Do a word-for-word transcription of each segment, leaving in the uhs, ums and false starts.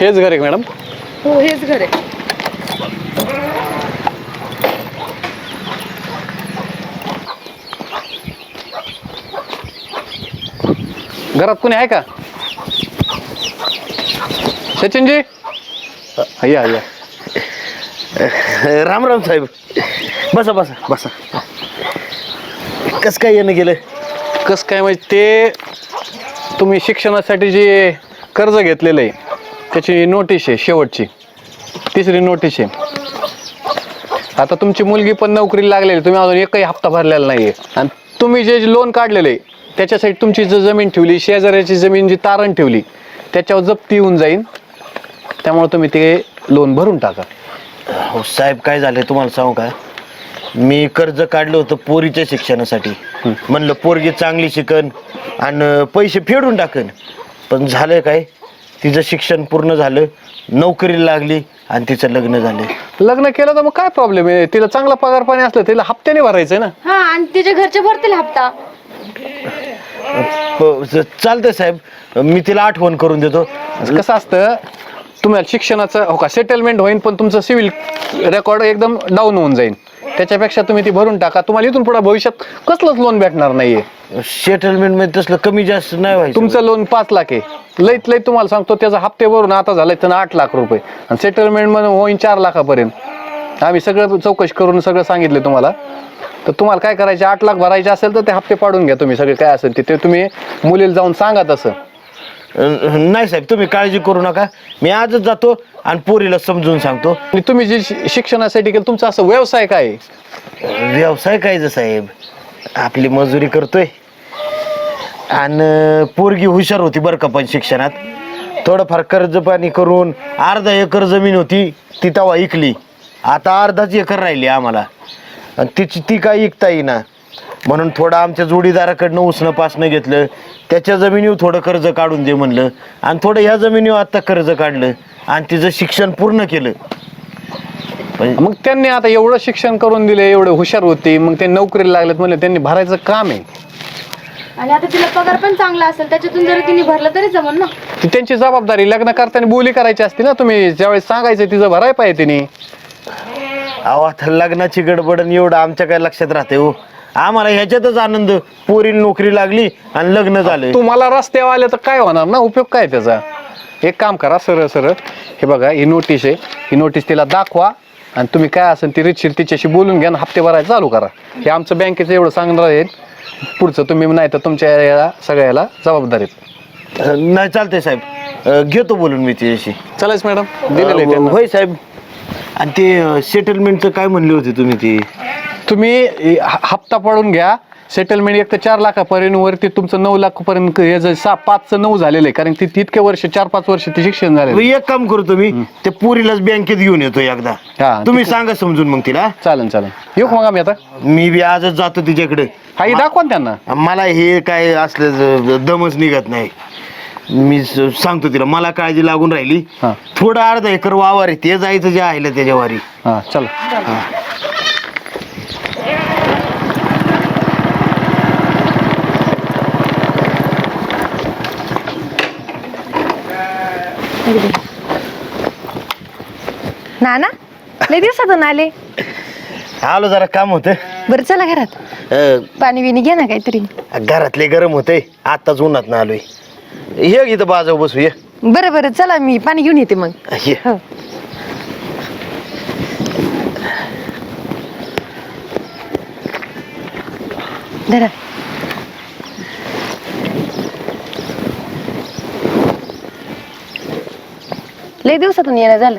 हेच घर आहे मॅडम? हो हेच घर आहे. घरात कोणी आहे का? सचिनजी या या. राम राम साहेब. बसा बसा बसा. कस काय येणं गेलं? कसं काय म्हणजे ते तुम्ही शिक्षणासाठी जे कर्ज घेतलेलं आहे त्याची नोटीस आहे, शेवटची तिसरी नोटीस आहे. आता तुमची मुलगी पण नोकरीला लागलेली, तुम्ही अजून एकही हप्ता भरलेला नाही आहे. आणि तुम्ही जे लोन काढलेलं आहे त्याच्यासाठी तुमची जी जमीन ठेवली, शेजाऱ्याची जमीन जी तारण ठेवली त्याच्यावर जप्ती येऊन जाईल. त्यामुळे तुम्ही ते लोन भरून टाका. हो साहेब, काय झालंय तुम्हाला सांगू का? मी कर्ज काढलं होतं पोरीच्या शिक्षणासाठी. म्हणलं पोरगी चांगली शिकन आणि पैसे फेडून टाकन. पण झालं काय, तिचं शिक्षण पूर्ण झालं, नोकरीला लागली आणि तिचं लग्न झालं. लग्न केलं तर मग काय प्रॉब्लेम आहे? तिला चांगला पगार पाणी असलं तिला हप्त्याने भरायचंय ना. हा आणि तिच्या घरचे भरतील हप्ता. चालतंय साहेब, मी तिला आठवण करून देतो. कसं असतं, तुम्हाला शिक्षणाचं हो का सेटलमेंट होईल पण तुमचं सिव्हिल रेकॉर्ड एकदम डाऊन होऊन जाईल. त्याच्यापेक्षा तुम्ही ती भरून टाका. तुम्हाला इथून पुढे भविष्यात कसलंच लोन भेटणार नाहीये. सेटलमेंट मध्ये तसलं कमी जास्त नाही व्हायचं. तुमचं लोन पाच लाख आहे, लईत लईत तुम्हाला सांगतो त्याचा हप्ते भरून आता झालाय तर आठ लाख रुपये आणि सेटलमेंट मध्ये होईन चार लाखापर्यंत. आम्ही सगळं चौकशी करून सगळं सांगितलं तुम्हाला. तर तुम्हाला काय करायचे, आठ लाख भरायचे असेल तर ते हप्ते पाडून घ्या तुम्ही सगळे. काय असेल ते तुम्ही मुलीला जाऊन सांगा तसं. नाही साहेब, तुम्ही काळजी करू नका. मी आजच जातो आणि पोरीला समजून सांगतो. आणि तुम्ही जे शिक्षणासाठी केलं तुमचा असं व्यवसाय काय आहे? व्यवसाय काय साहेब, आपली मजुरी करतोय. आणि पोरगी हुशार होती बरं का, पण शिक्षणात थोडंफार कर्ज पाणी करून अर्धा एकर जमीन होती ती तेव्हा इकली. आता अर्धाच एकर राहिली आम्हाला आणि तिची ती काय इकता येईना. म्हणून थोडं आमच्या जोडीदाराकडनं उसणं पासणं घेतलं. त्याच्या जमिनीवर थोडं कर्ज काढून दे म्हणलं आणि थोडं ह्या जमिनीवर आत्ता कर्ज काढलं आणि तिचं शिक्षण पूर्ण केलं. मग त्यांनी आता एवढं शिक्षण करून दिले, एवढे हुशार होते, मग ते नोकरीला लागलेत म्हणले त्यांनी भरायचं काम आहे. आणि आता तिला पगार पण चांगला असेल, त्याच्यातून जर तिने भरलं तरी जमन ना. ती त्यांची जबाबदारी. लग्न करताना बोली करायची असते ना. तुम्ही ज्यावेळेस सांगायचं तिचं भराय पाहिजे तिने. अहो आता लग्नाची गडबडन एवढं आमच्या काय लक्षात राहते हो. आम्हाला ह्याच्यातच आनंद, पोरीला नोकरी लागली आणि लग्न झालं. तुम्हाला रस्त्यावर आले तर काय होणार ना, उपयोग काय त्याचा? एक काम करा, सरळ सरळ हे बघा, ही नोटीस आहे, ही नोटीस तिला दाखवा आणि तुम्ही काय असेल ती रितशीर तिच्याशी बोलून घ्या आणि हप्ते भरायला चालू करा. हे आमचं बँकेचं एवढं सांगणार आहे. पुढचं तुम्ही नाही तर तुमच्या याला सगळ्याला जबाबदारीत. नाही चालतंय साहेब, घेतो बोलून मी तिच्याशी. चालेल मॅडम, दिलेलं आहे. होय साहेब. आणि ते सेटलमेंटचं काय म्हणले होते तुम्ही? ते तुम्ही हप्ता पडून घ्या. सेटलमेंट एक तर चार लाखापर्यंत वरती तुमचं नऊ लाखापर्यंत हे सहा पाचचं नऊ झालेलं आहे, कारण ती इतके वर्ष चार पाच वर्ष ते शिक्षण झाले. एक काम करतो मी, ते पोरीलाच बँकेत घेऊन येतो एकदा. तुम्ही सांगा समजून मग तिला. चालेल चालेल, येऊ मग आम्ही आता. मी बी आजच जातो तिच्याकडे. हा दाखवा त्यांना. मला हे काय असलं दमच निघत नाही. मी सांगतो तिला, मला काळजी लागून राहिली. थोडं अर्धा एकर वावर आहे, ते जायचं जे आहे त्याच्या वारी. हा चला. ना ना लय दिवसातून आले. आलो, जरा काम होतं. बरं चला घरात, पाणी बिणी घे ना काहीतरी. घरातले गरम होते, आताच उन्हात ना आलोय. हे इथं बाजाव बसू ये. बरं बरं चला, मी पाणी घेऊन येते मग. ये. हो. धरा. लय दिवसातून येणं झालं.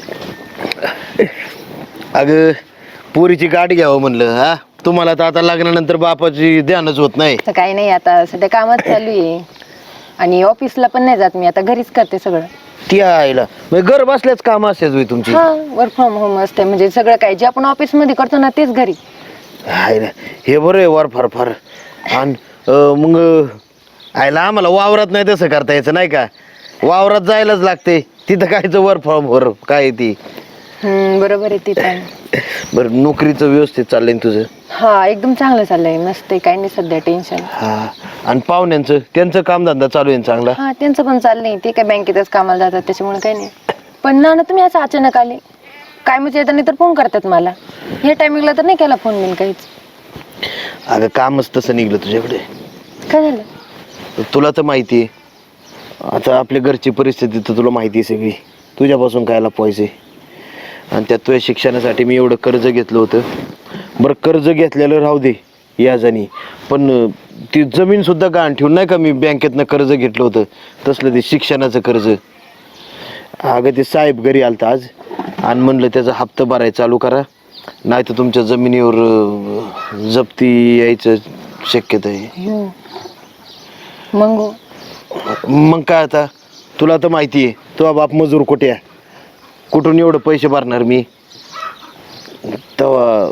अगं पोरीची गाडी घ्यावं म्हणलं. हा तुम्हाला तर आता लग्नानंतर बापाची ध्यानच होत नाही. तर काही नाही, आता सध्या कामच चालू आहे आणि ऑफिसला पण नाही जात मी, आता घरीच करते सगळं. ती आईला म्हणजे घर बसल्याच काम असतेच तुमची. हा, वर्क फ्रॉम होम असते, म्हणजे सगळं काय जे आपण ऑफिस मध्ये करतो ना तेच घरी. आहे ना, हे बरं आहे वर फार फार. आणि मग आईला आम्हाला वावरात नाही तसं करता यायचं नाही का? वावरात जायलाच लागते. तिथं कायचं वर फ्रॉम वर काय ती. हम्म, बरोबर आहे ते पण. बरं नोकरीचं व्यवस्थित चाललंय ना तुझं? हा एकदम चांगलं चाललंय, मस्त आहे, काही नाही सध्या टेन्शन. हा. आणि पाहुण्यांचं त्यांचं कामधंदा चालू आहे ना चांगला? हा त्यांचं पण चाललंय, ते काय बँकेतच कामाला जातात त्याच्यामुळे काही नाही. पण ना ना तुम्ही असं अचानक आले काय, म्हणजे येताना तर फोन करतात मला, या टायमिंगला तर नाही केला फोन मी काहीच. अगं कामच तसं निघलं तुझ्याकडे. काय झालं? तुला तर माहिती आहे आता आपल्या घरची परिस्थिती तर तुला माहिती आहे सगळी. तुझ्यापासून कायला पैसे, आणि त्यात तुझ्या शिक्षणासाठी मी एवढं कर्ज घेतलं होतं. बरं कर्ज घेतलेलं राहू दे याजानी, पण ती जमीन सुद्धा गहाण ठेवून नाही का मी बँकेतनं कर्ज घेतलं होतं, तसलं ते शिक्षणाचं कर्ज. अगं ते साहेब घरी आलता आज आणि म्हणलं त्याचा हप्ता भरायला चालू करा, नाही तर तुमच्या जमिनीवर अं, जप्ती यायचं शक्यता आहे. हम्म. मग मग काय आता, तुला तर माहिती आहे तुझा बाप मजूर कुठे आहे, कुठून एवढं पैसे भरणार मी. तेव्हा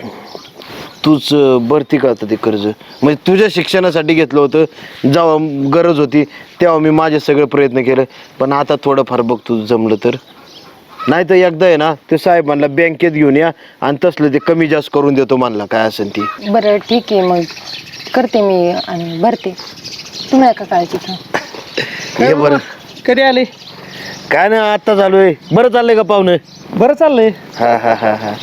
तूच भरती का आता ते कर्ज, म्हणजे तुझ्या शिक्षणासाठी घेतलं होतं, जेव्हा गरज होती तेव्हा मी माझे सगळे प्रयत्न केले, पण आता थोडंफार बघ तुझं जमलं तर. नाही तर एकदा आहे ना ते साहेब म्हणला बँकेत घेऊन या आणि तसलं ते कमी जास्त करून देतो म्हणला, काय असेल ती. बरं ठीक आहे, मग करते मी आणि भरते, तुम्ही नका काळजी घ्या. हे बरं कधी आले? काय ना आत्ता चालू आहे. बरं चाललंय का पाहुणं? बरं चाललंय. हा हा हा हा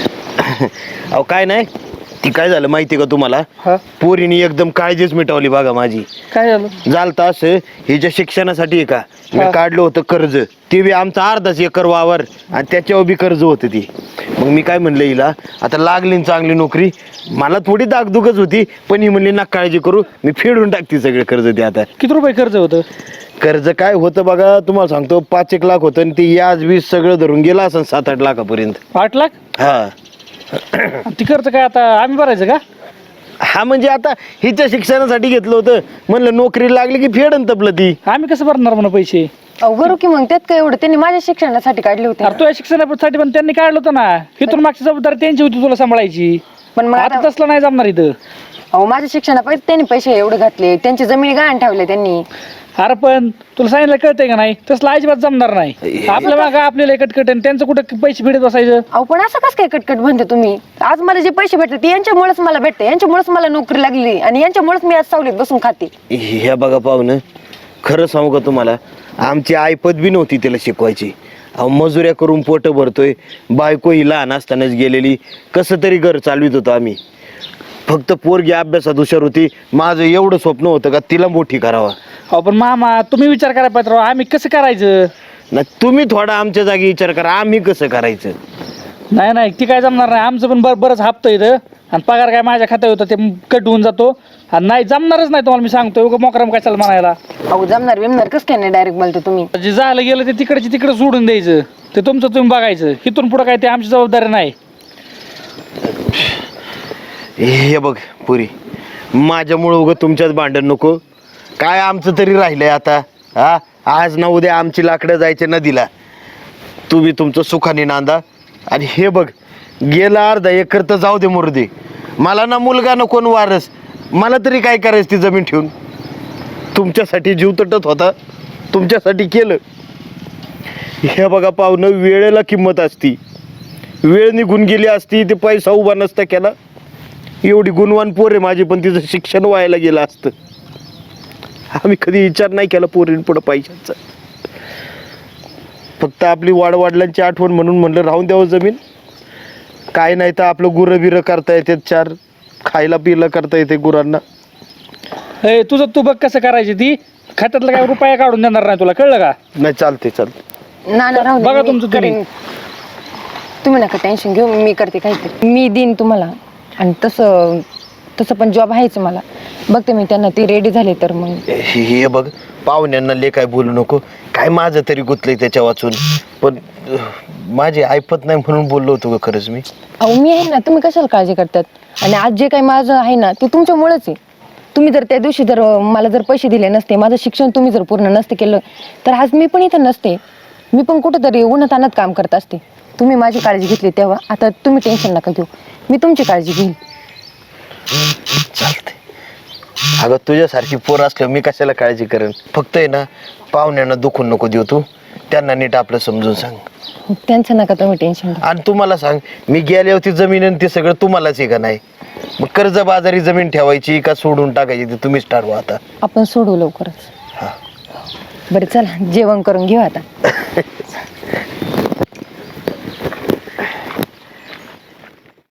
अहो काय नाही, ती काय झालं माहिती का तुम्हाला, हा पोरीने एकदम काळजीच मिटवली बघा माझी. काय झालं? झालं असं, हिच्या शिक्षणासाठी आहे का मी हा. काढलं होतं कर्ज, ते बी आमचा अर्धाच एकर वावर आणि त्याच्यावर बी कर्ज होतं ती. मग मी काय म्हणलं हिला, आता लागली ना चांगली नोकरी, मला थोडी दागदुगच होती, पण ही म्हणली ना काळजी करू, मी फेडून टाकते सगळे कर्ज ते. आता किती रुपये कर्ज होतं? कर्ज काय होतं बघा तुम्हाला सांगतो, पाच एक लाख होतं आणि ते याज वीज सगळं धरून गेलं असं सात आठ लाखापर्यंत. आठ लाख? हा आणि ती कर्ज काय आता आम्ही भरायचं का? हा म्हणजे आता हिच्या शिक्षणासाठी घेतलं होतं, म्हणलं नोकरी लागली की फेडन तपलं ती. आम्ही कसं भरणार म्हणा पैसे? अहो भरू की, मग त्यात काय एवढं, त्यांनी माझ्या शिक्षणासाठी काढले होते ना. अरे तुझ्या शिक्षणासाठी पण त्यांनी काढलं होतं ना, इथून मागची जबाबदारी त्यांची होती तुला सांभाळायची. पण मग आता आता तसलं नाही जमणार इथं. अहो माझ्या शिक्षणापायी त्यांनी पैसे एवढे घातले, त्यांची जमिनी गहाण ठेवले त्यांनी. अरे पण तुला सांगितलं कळतंय का नाही, तसलं अजिबात जमणार नाही. आपल्या मागं आपल्याला कटकट आणि त्यांचं कुठं पैसे भेटत बसायचं? अहो पण असं कसं काय कटकट म्हणते तुम्ही? आज मला जे पैसे भेटतात ते यांच्यामुळेच मला भेटते, यांच्यामुळेच मला नोकरी लागली आणि यांच्यामुळेच मी आज सावलीत बसून खाते. हे बघा पाहुणं, खरं सांगू का तुम्हाला, आमची आईपत बी नव्हती त्याला शिकवायची. अहो मजुऱ्या करून पोट भरतोय, बायको ही लहान असतानाच गेलेली, कसं तरी घर चालवित होतो आम्ही. फक्त पोरगी अभ्यासात हुशार होती, माझं एवढं स्वप्न होतं का तिला मोठी करावा. अहो पण मामा तुम्ही विचार करायला पाहिजे राव, आम्ही कसं करायचं? ना तुम्ही थोडा आमच्या जागी विचार करा, आम्ही कसं करायचं. नाही नाही ती काय जमणार नाही, आमचं पण बरं बरंच हप्ता इथं आणि पगार काय माझ्या खात्यात होतं ते कट होऊन जातो आणि नाही जमणारच नाही तुम्हाला मी सांगतोय. उगा मोकराम काय चाल म्हणायला. अहो जमणार बिमणार कसं काय नाही, डायरेक्ट बोलतो तुम्ही. जे झालं गेलं ते तिकडचे तिकडे सोडून द्यायचं, ते तुमचं तुम्ही बघायचं. इथून पुढं काय ते आमची जबाबदारी नाही. हे बघ पुरी, माझ्यामुळं उगं तुमच्यात भांडण नको. काय आमचं तरी राहिलंय आता. हा आज ना उद्या आमची लाकडं जायचे नदीला, तुम्ही तुमचं सुखाने नांदा. आणि हे बघ गेला अर्धा एकर तर जाऊ दे मुर्दे, मला ना मुलगा नको न वारस, मला तरी काय करायचं ती जमीन ठेवून. तुमच्यासाठी जीव तटत होता, तुमच्यासाठी केलं. हे बघा पाहुणं, वेळेला किंमत असती, वेळ निघून गेली असती ते पैसा उभा नसता केला. एवढी गुणवान पोर आहे माझी, पण तिचं शिक्षण व्हायला गेलं असतं. आम्ही कधी विचार नाही केला पोरीन पुढं पैशाचा. फक्त आपली वाडवडिलांची आठवण म्हणून म्हणलं राहून द्यावं जमीन. काय नाही तर आपलं गुरं बिरं करता येते, चार खायला पियला करता येते गुरांना. हे तुझं तू बघ कसं करायची, ती खात्यातला काय रुपया काढून देणार नाही तुला, कळलं का? नाही चालते चालते. ना ना राहू दे, बघा मी तुमचं तुम्ही. करेन. तुम्ही नका टेन्शन घेऊ, मी करते काहीतरी, मी देईन तुम्हाला. आणि तसं तसं पण जॉब आहेच मला, बघते मी त्यांना, ती रेडी झाली तर मग. हे बघ पाहुण्यांना ले काय बोलू नको, काय माझं तरी गुतलंय त्याच्या वाचून, पण अह, माझी ऐपत नाही म्हणून बोललो होतो का खरंच मी. अहो मी आहे ना, तुम्ही कशाला काळजी करतात? आणि आज जे काही माझं आहे ना ते तुमच्यामुळेच आहे. तुम्ही जर त्या दिवशी जर मला जर पैसे दिले नसते, माझं शिक्षण तुम्ही जर पूर्ण नसते केलं, तर आज मी पण इथं नसते. मी पण कुठंतरी उन्हातान्हात काम करत असते. तुम्ही माझी काळजी घेतली तेव्हा, आता तुम्ही टेन्शन नका घेऊ, मी तुमची काळजी घेईन. चालते. अगं तुझ्यासारखी पोर असल्यावर मी कशाला काळजी करेन. फक्त आहे ना पाहुण्यांना दुखून नको देऊ तू, त्यांना नीट आपलं समजून सांग. त्यांचं नका तुम्ही टेन्शन घ्या. आणि तुम्हाला सांग, मी गेल्यावर ती जमीन आणि ते सगळं तुम्हालाच आहे का नाही? मग कर्ज बाजारी जमीन ठेवायची का सोडून टाकायची ते तुम्हीच ठरवा आता. आपण सोडू लवकरच. हा. बरं चला जेवण करून घेऊ आता.